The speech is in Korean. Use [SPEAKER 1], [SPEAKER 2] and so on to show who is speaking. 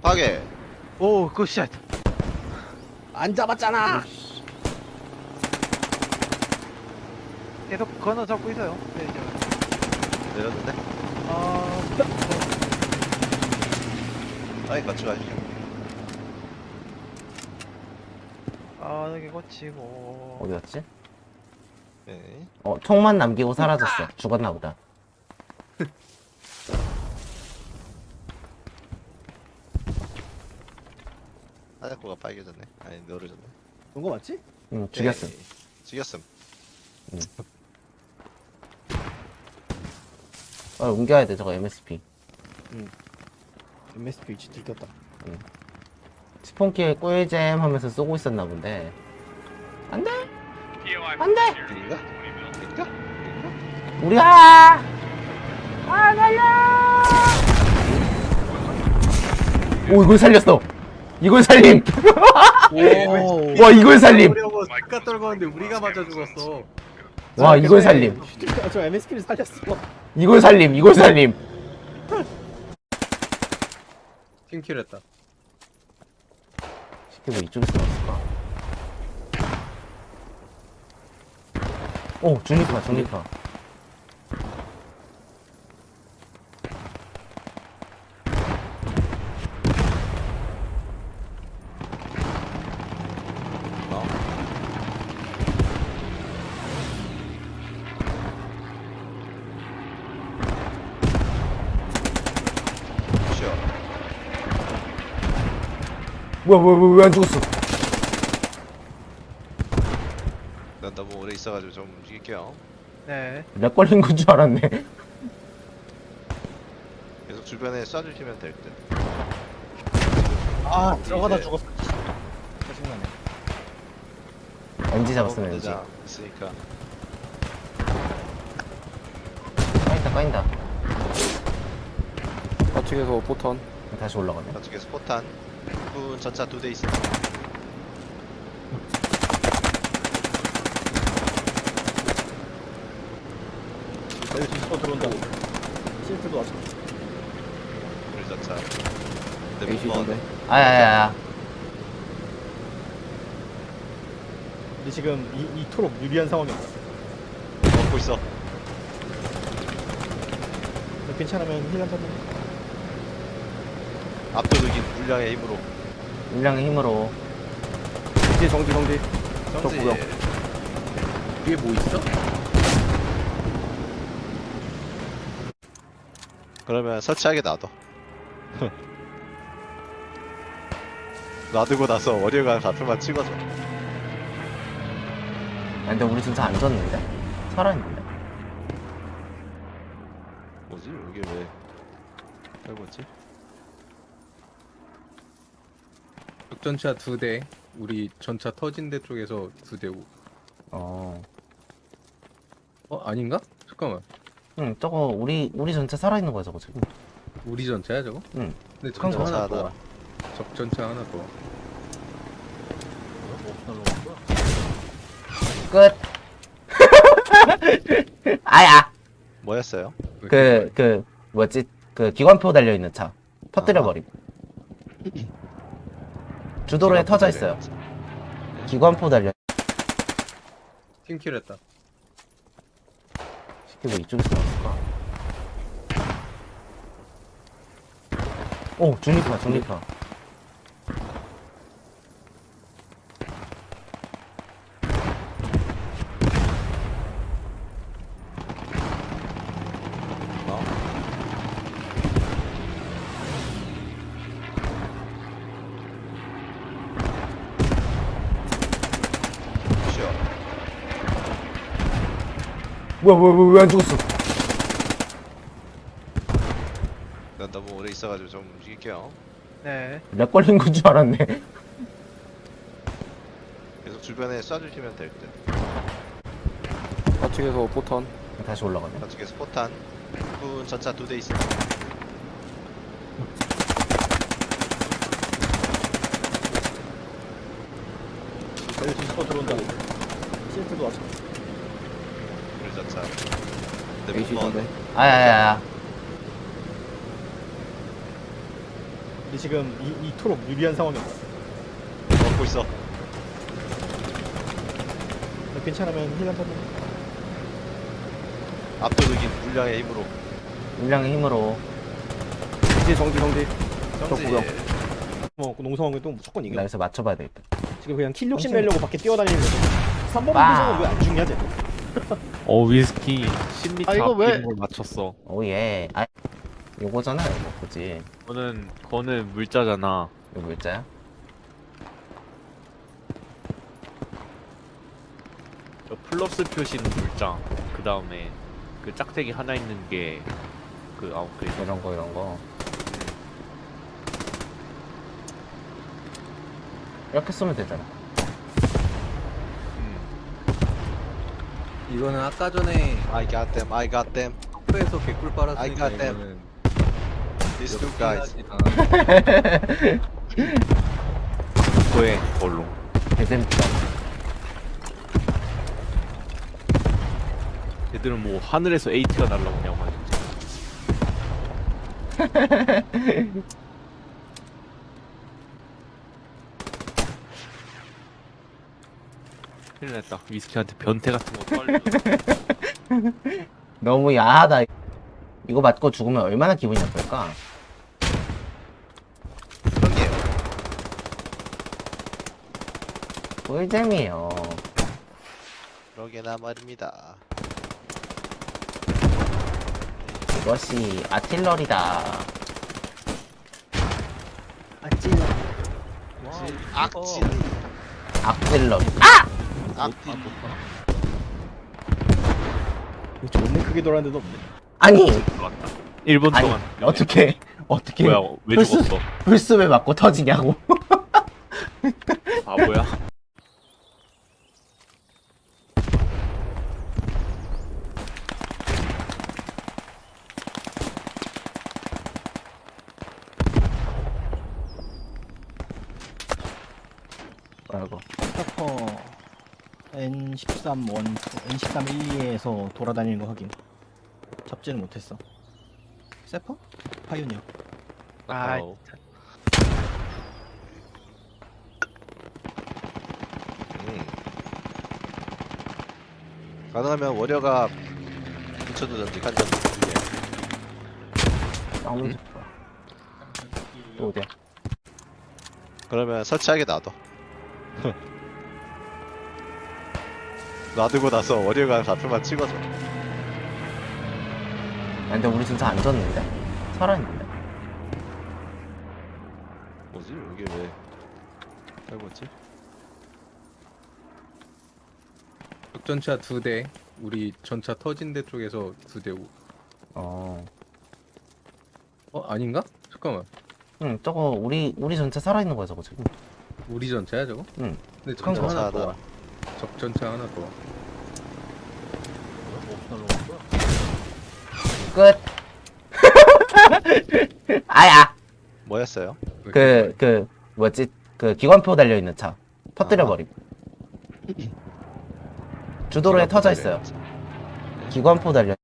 [SPEAKER 1] 파괴.
[SPEAKER 2] 오, 굿샷.
[SPEAKER 3] 안 잡았잖아.
[SPEAKER 2] 계속 건어 잡고 있어요. 네, 이제.
[SPEAKER 1] 내렸는데?
[SPEAKER 2] 아,
[SPEAKER 1] 아이, 같이 가시죠.
[SPEAKER 2] 빠르게 거치고.
[SPEAKER 4] 어디 갔지?
[SPEAKER 1] 네.
[SPEAKER 4] 총만 남기고 사라졌어. 죽었나 보다.
[SPEAKER 1] 하얗고가 빨개졌네. 아니, 너르졌네.
[SPEAKER 3] 그런 거 맞지?
[SPEAKER 4] 응, 죽였음.
[SPEAKER 1] 네. 죽였음.
[SPEAKER 4] 옮겨야 돼, 저거 MSP.
[SPEAKER 3] MSP 위치 들켰다.
[SPEAKER 4] 스폰키에 꿀잼 하면서 쏘고 있었나 본데. 안 돼! 안 돼!
[SPEAKER 1] 인가? 인가?
[SPEAKER 4] 우리가! 달려! 오, 이걸 살렸어! 이걸 살림!
[SPEAKER 3] 오.
[SPEAKER 4] 와, 이걸 살림!
[SPEAKER 5] 어려워 까 떨궜는데 우리가 맞아 죽었어.
[SPEAKER 4] 와, 이걸 살림!
[SPEAKER 3] 저 MSP를 살렸어.
[SPEAKER 4] 이걸 살림! 이걸 살림!
[SPEAKER 5] 팀킬 했다.
[SPEAKER 4] 시키고 이쪽에서 나왔을까? 오, 중립파, 중립파.
[SPEAKER 1] 어? 쉬어.
[SPEAKER 4] 뭐야, 왜 안 죽었어?
[SPEAKER 1] 난 너무 오래 있어가지고 좀 움직일게요.
[SPEAKER 2] 네.
[SPEAKER 4] 렉 걸린 건 줄 알았네.
[SPEAKER 1] 계속 주변에 쏴주시면 될 듯.
[SPEAKER 3] 아, 들어가다
[SPEAKER 1] 이제
[SPEAKER 3] 죽었어. 짜증나네.
[SPEAKER 4] NG 잡았으면 NG.
[SPEAKER 1] 대장 있으니까.
[SPEAKER 4] 까인다.
[SPEAKER 6] 좌측에서 포탄.
[SPEAKER 4] 다시 올라가네.
[SPEAKER 1] 저쪽에서 포탄. 군 전차 2대 있어.
[SPEAKER 3] 여기 뒤집어 들어온다고. 실트도 왔어.
[SPEAKER 1] 우리 전차. 근데 못
[SPEAKER 6] 에이시던데.
[SPEAKER 1] 먹었네.
[SPEAKER 4] 아야야야.
[SPEAKER 3] 근데 지금 이토록 유리한 상황이었어.
[SPEAKER 1] 먹고 있어.
[SPEAKER 3] 괜찮으면 힐한 번만.
[SPEAKER 1] 압도적인 물량의 힘으로.
[SPEAKER 4] 물량의 힘으로.
[SPEAKER 6] 정지 정지 정지.
[SPEAKER 1] 정지.
[SPEAKER 6] 구역.
[SPEAKER 5] 위에 뭐 있어?
[SPEAKER 1] 그러면 설치하게 놔둬. 놔두고 나서 월요일간 좌표만 찍어줘.
[SPEAKER 4] 근데 우리 진짜 안 졌는데? 살아있는데?
[SPEAKER 1] 뭐지? 여기 왜 해보지?
[SPEAKER 5] 적전차 2대. 우리 전차 터진 데 쪽에서 2대.
[SPEAKER 4] 어.
[SPEAKER 5] 아닌가? 잠깐만.
[SPEAKER 4] 응, 저거 우리 전체 살아있는 거야, 저거 지금.
[SPEAKER 5] 우리 전차야 저거?
[SPEAKER 4] 응.
[SPEAKER 5] 근데 전차
[SPEAKER 4] 그건
[SPEAKER 5] 하나
[SPEAKER 1] 전차다.
[SPEAKER 5] 더 와. 적전차 하나 더 와.
[SPEAKER 4] 끝. 아야.
[SPEAKER 1] 뭐였어요?
[SPEAKER 4] 뭐였지? 기관표 달려있는 차. 터뜨려버리고. 주도로에 터져 있어요. 기관포 달려.
[SPEAKER 5] 팀킬 했다.
[SPEAKER 4] 시키고 이쪽에서 나왔을까? 오, 중립파, 중립파.
[SPEAKER 1] 어? 쉬어.
[SPEAKER 4] 뭐야, 왜 안 죽었어?
[SPEAKER 1] 난 너무 오래 있어가지고 좀 움직일게요.
[SPEAKER 2] 네.
[SPEAKER 4] 렉 걸린 건 줄 알았네.
[SPEAKER 1] 계속 주변에 쏴주시면 될 듯.
[SPEAKER 6] 좌측에서 포탄.
[SPEAKER 4] 다시 올라가네.
[SPEAKER 1] 저쪽에서 포탄. 군 전차 2대 있어.
[SPEAKER 3] 여기 뒤집어 들어온다고. 실트도 왔어.
[SPEAKER 1] 우리 전차. 근데 못
[SPEAKER 6] 에이시던데.
[SPEAKER 1] 먹었네.
[SPEAKER 4] 아야야야.
[SPEAKER 3] 근데 근데 지금 이 토록 유리한 상황이었어.
[SPEAKER 1] 먹고 있어.
[SPEAKER 3] 괜찮으면 힐 한 번만.
[SPEAKER 1] 압도적인 물량의 힘으로.
[SPEAKER 4] 물량의 힘으로.
[SPEAKER 6] 정지 정지 정지.
[SPEAKER 1] 정지.
[SPEAKER 6] 구경.
[SPEAKER 3] 농성하면 또 무조건 이겨.
[SPEAKER 4] 나 여기서 맞춰봐야 되겠다.
[SPEAKER 3] 지금 그냥 킬 욕심 내려고 밖에 뛰어다니는 거지. 3번
[SPEAKER 4] 와.
[SPEAKER 3] 부정은 왜 안 죽냐 쟤?
[SPEAKER 7] 위스키 10m
[SPEAKER 2] 아, 이거 왜-
[SPEAKER 7] 앞에 걸 맞췄어.
[SPEAKER 4] 오예. 아, 요거잖아, 이거. 그지?
[SPEAKER 7] 그거는 물자잖아.
[SPEAKER 4] 이거 물자야?
[SPEAKER 7] 저 플러스 표시는 물자. 그 다음에 그 짝대기 하나 있는 게 그 아웃그레이드.
[SPEAKER 4] 이런 거, 이런 거. 이렇게 쓰면 되잖아.
[SPEAKER 5] 이거는 아까 전에
[SPEAKER 1] I got them. I got them.
[SPEAKER 5] 학교에서 개꿀
[SPEAKER 1] I
[SPEAKER 5] 빨았으니까
[SPEAKER 1] got them.
[SPEAKER 5] 이거는
[SPEAKER 1] These two guys.
[SPEAKER 7] 그거에 걸로.
[SPEAKER 4] 개재밌다.
[SPEAKER 7] 얘들은 뭐 하늘에서 AT가 날라오냐고 하지. 큰일 났다. 위스키한테 변태 같은 거 떨려.
[SPEAKER 4] 너무 야하다. 이거 맞고 죽으면 얼마나 기분이 나쁠까?
[SPEAKER 1] 형님.
[SPEAKER 4] 꿀잼이에요.
[SPEAKER 1] 그러게나 말입니다.
[SPEAKER 4] 이것이 아틸러리다.
[SPEAKER 1] 악질.
[SPEAKER 4] 악질러리.
[SPEAKER 1] 악질.
[SPEAKER 3] 존나 크게 돌았는데도 없네.
[SPEAKER 4] 아니,
[SPEAKER 7] 들어갔다. 1분
[SPEAKER 4] 아니,
[SPEAKER 7] 동안.
[SPEAKER 4] 어떻게
[SPEAKER 7] 뭐야, 왜
[SPEAKER 4] 플스-
[SPEAKER 7] 죽었어?
[SPEAKER 4] 불스 왜 맞고 터지냐고.
[SPEAKER 7] 바보야?
[SPEAKER 4] 뭐라고.
[SPEAKER 3] 스타퍼 N13 1, N13 12에서 돌아다니는 거 확인. 잡지는 못했어. 세퍼? 파이오니어.
[SPEAKER 2] 아,
[SPEAKER 7] 어.
[SPEAKER 1] 가능하면 월여가 붙여두든지 간장 중에.
[SPEAKER 4] 싸우는 집 좋아. 또 어디야?
[SPEAKER 1] 그러면 설치하게 놔둬. 놔두고 나서 월요가 좌표만 찍어줘.
[SPEAKER 4] 야, 근데 우리 진짜 안 졌는데? 살아있는데?
[SPEAKER 1] 뭐지? 이게 왜 짧았지?
[SPEAKER 5] 적전차 2대, 우리 전차 터진 데 쪽에서 2대.
[SPEAKER 4] 어.
[SPEAKER 5] 아닌가? 잠깐만.
[SPEAKER 4] 응, 저거 우리 전체 살아있는 거야, 저거 지금.
[SPEAKER 5] 우리 전차야 저거?
[SPEAKER 4] 응.
[SPEAKER 5] 근데
[SPEAKER 4] 그럼
[SPEAKER 5] 전차 하나 더
[SPEAKER 1] 전차다.
[SPEAKER 5] 와. 적전차 하나 더 와.
[SPEAKER 4] 끝. 아야.
[SPEAKER 1] 뭐였어요?
[SPEAKER 4] 뭐지? 기관포 달려있는 차. 터뜨려버리고. 주도로에 터져 있어요. 기관포 달려.